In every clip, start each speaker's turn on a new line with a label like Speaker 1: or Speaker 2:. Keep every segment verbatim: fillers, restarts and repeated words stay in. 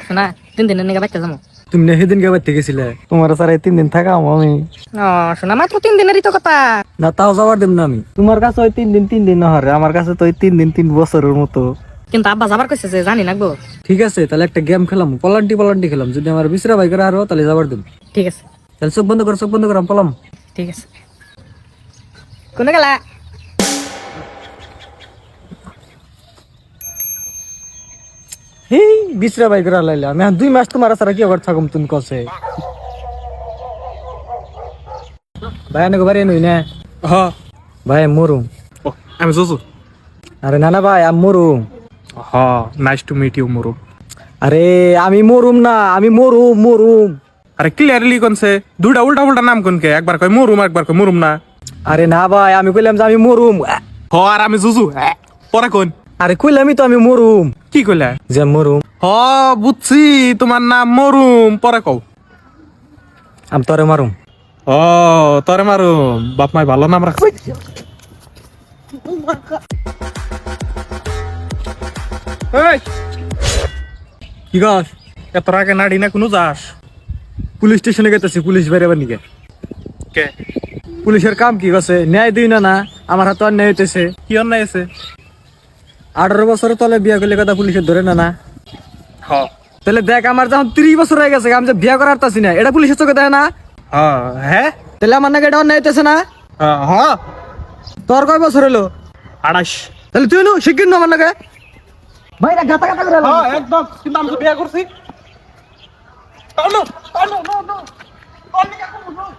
Speaker 1: শোনা তিন দিনের নিকে বাইতে যাবো।
Speaker 2: তুমি না সেদিন কে বাইতে গেছিলে? তোমার স্যার তিন দিন থাকাম আমি।
Speaker 1: ও শোনা মাত্র তিন দিনেরই তো কথা।
Speaker 2: না তাও যাবার দিম না আমি। তোমার কাছে ওই তিন দিন তিন দিন না হরে, আমার কাছে তো ওই তিন দিন তিন বছরের মতো।
Speaker 1: কিন্তু আব্বা যাবার কইছে যে জানি নাকবো।
Speaker 2: ঠিক আছে তাহলে একটা গেম খেলাম, পলান্টি পলান্টি খেলাম। যদি আমার বিচরা ভাই করে আরো তাহলে যাবার দিম।
Speaker 1: ঠিক আছে
Speaker 2: তাহলে চোখ বন্ধ করো, চোখ বন্ধ করো, আমি পলাম।
Speaker 1: ঠিক আছে। কোনে গেলা?
Speaker 2: হেই বিচরা ভাই করে লাইলা আমি দুই মাস তোমার সারা কি আবার থাকুম তুমি কসে। ভাই আনে বাড়ি নই না?
Speaker 3: হ
Speaker 2: ভাই মরুম।
Speaker 3: ও আমি জসু।
Speaker 2: আরে না না ভাই আমি মরুম।
Speaker 3: হ নাইস টু মিট ইউ মুরু।
Speaker 2: আরে আমি মরুম না, আমি মরুম মরুম।
Speaker 3: আরে ক্লিয়ারলি কোনছে দুইটা উল্টা উল্টা নাম কোনকে? একবার কয় মুরুম, একবার কয় মুরুম না।
Speaker 2: আরে না ভাই আমি কইলাম যে আমি মরুম।
Speaker 3: হ আর আমি জুজু। পরে কোন?
Speaker 2: আরে কইলামই তো আমি মরুম।
Speaker 3: কি কইলা?
Speaker 2: যে মরুম।
Speaker 3: হ বুঝছি তোমার নাম মরুম, পরে কও।
Speaker 2: আমি তোরে মারুম।
Speaker 3: ও তরে মারুম, বাপ মাই ভালো নাম রাখছে। এই
Speaker 2: কি গাছ?
Speaker 3: এত আগে নাড়ি না কোনো যাস?
Speaker 2: পুলিশ স্টেশনে গেতেছি, পুলিশ বেরোবার নিকে।
Speaker 3: কে
Speaker 2: পুলিশের কাম কি গেছে? ন্যায় দিই না না, আমার হাতে অন্যায় হইতেছে।
Speaker 3: কি অন্যায় আছে?
Speaker 2: আঠারো বছরের তলে বিয়া করলে কথা পুলিশের ধরে না না।
Speaker 3: হ
Speaker 2: তাহলে দেখ আমার যখন ত্রিশ বছর হয়ে গেছে আমি যে বিয়া করার তাছি না, এটা পুলিশের চোখে দেয় না?
Speaker 3: হ হ্যাঁ
Speaker 2: তাহলে আমার নাকি এটা অন্যায় হইতেছে না?
Speaker 3: হ
Speaker 2: তোর কয় বছর হলো?
Speaker 3: আড়াইশ।
Speaker 2: তাহলে তুই নো শিখিন না আমার নাকি? ভাই না গাতা গাতা করে
Speaker 3: হ্যাঁ একদম, কিন্তু আমি তো বিয়ে করছি। টানো টানো নো নো টানি কা করব নো।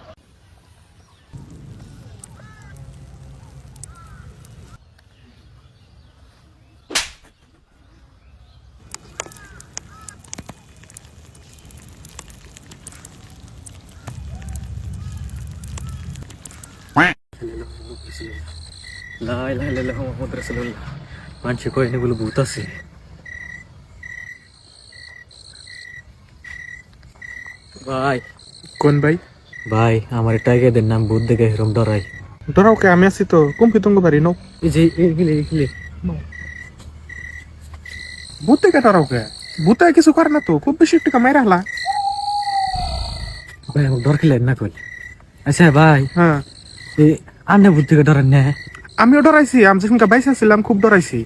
Speaker 2: লা ইলাহা ইল্লাল্লাহু মুহাম্মাদুর রাসূলুল্লাহ। মানুষে কয় এগুলো ভূত আছে। ভাই
Speaker 3: কোন ভাই?
Speaker 2: ভাই আমার টাইগারদের নাম ভূত দেখে এরকম ডরাই।
Speaker 3: ডরাও কে? আমি আছি তো, কুম্পি তুঙ্গ বাড়ি নো।
Speaker 2: এই যে এগুলি এগুলি
Speaker 3: ভূতে কে ডরাও কে? ভূতে কিছু করে না তো, খুব বেশি টাকা মাইরা হলা।
Speaker 2: ভাই আমার ডর খেলেন না কই। আচ্ছা ভাই
Speaker 3: হ্যাঁ
Speaker 2: এই আন্না ভূত থেকে ডরান না?
Speaker 3: আমিও ডরাইছি, আমি যেখানকার বাইসা ছিলাম খুব ডরাইছি।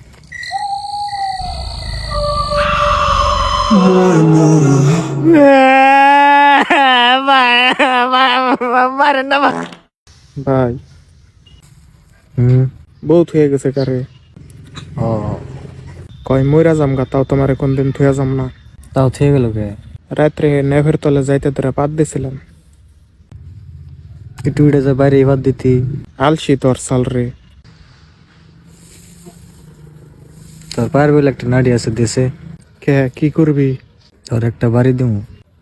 Speaker 1: মারেন না ভাই।
Speaker 3: ভাই
Speaker 2: হুম
Speaker 3: বহুত হয়ে গেছে কারে।
Speaker 2: ও
Speaker 3: কয় মইরা যাম গা, তাও তোমারে কোনদিন থুয়া যাম না।
Speaker 2: তাও থেকে গেল কে?
Speaker 3: রাত্রে নেভের তলে যাইতে ধরে পাত দিছিলাম।
Speaker 2: একটু উড়ে যা বাইরে এবার দিতি।
Speaker 3: আলসি তোর সাল রে।
Speaker 2: তোর পায়ের বলে একটা নাড়ি আছে দেশে,
Speaker 3: কে কি করবি?
Speaker 2: তোর একটা বাড়ি দিব।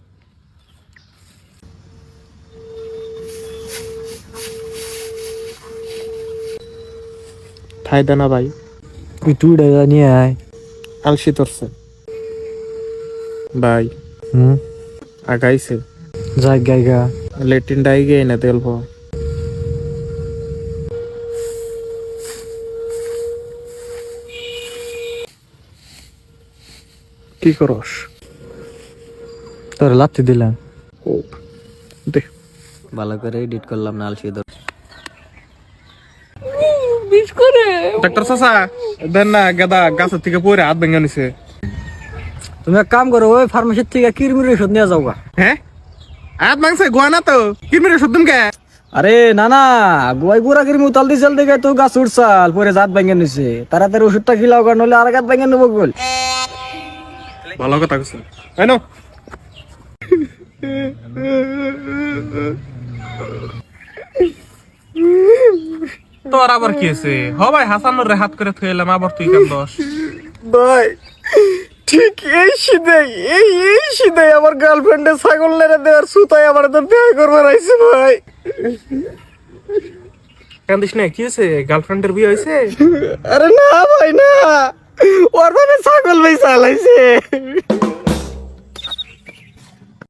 Speaker 3: ঠাই দে না ভাই,
Speaker 2: একটু উড়ে যা নিয়ে আয়।
Speaker 3: আলসি তোরছে ভাই।
Speaker 2: হুম
Speaker 3: আগাইছে
Speaker 2: যাই গাইগা।
Speaker 3: লেটিন ডাই গিয়ে না তেলব। কি করস?
Speaker 2: তোর লাত্তি দিলাম।
Speaker 3: ও দে
Speaker 2: ভালো করে এডিট করলাম না আলসি ধর।
Speaker 3: ডাক্তার চাচা দেন না, গাদা গাছের থেকে পড়ে হাত ভেঙে নিছে।
Speaker 2: তুমি এক কাম করো, ওই ফার্মেসির থেকে কিরমির ওষুধ নিয়ে যাও গা।
Speaker 3: হ্যাঁ হাত ভাঙছে গোয়া না তো, কি মেরে শুদ্ধম কে?
Speaker 2: আরে না না, গোয়াই গুড়া কিরমি উতাল দিয়েছিল দেখে তো গাছ উঠছাল পরে জাত ভেঙে নিছে। তাড়াতাড়ি ওষুধটা খিলাও কারণ হলে আর গাছ ভেঙে নেবো বল।
Speaker 3: ভালো কথা কইছেন। এই নাও। তোর আবার কি আছে? হ ভাই হাসানুর রে হাত করে থইলাম, আবার তুই কেন দোষ?
Speaker 2: ভাই ঠিক এই সিধাই এই এই সিধাই আমার গার্লফ্রেন্ডে ছাগল লেরে দেওয়ার সুতাই আমার তো বিয়ে করবার আইছে ভাই।
Speaker 3: কান্দিস না, কি হয়েছে? গার্লফ্রেন্ডের বিয়ে হয়েছে?
Speaker 2: আরে না ভাই না, ওর মানে ছাগল ভাই চালাইছে।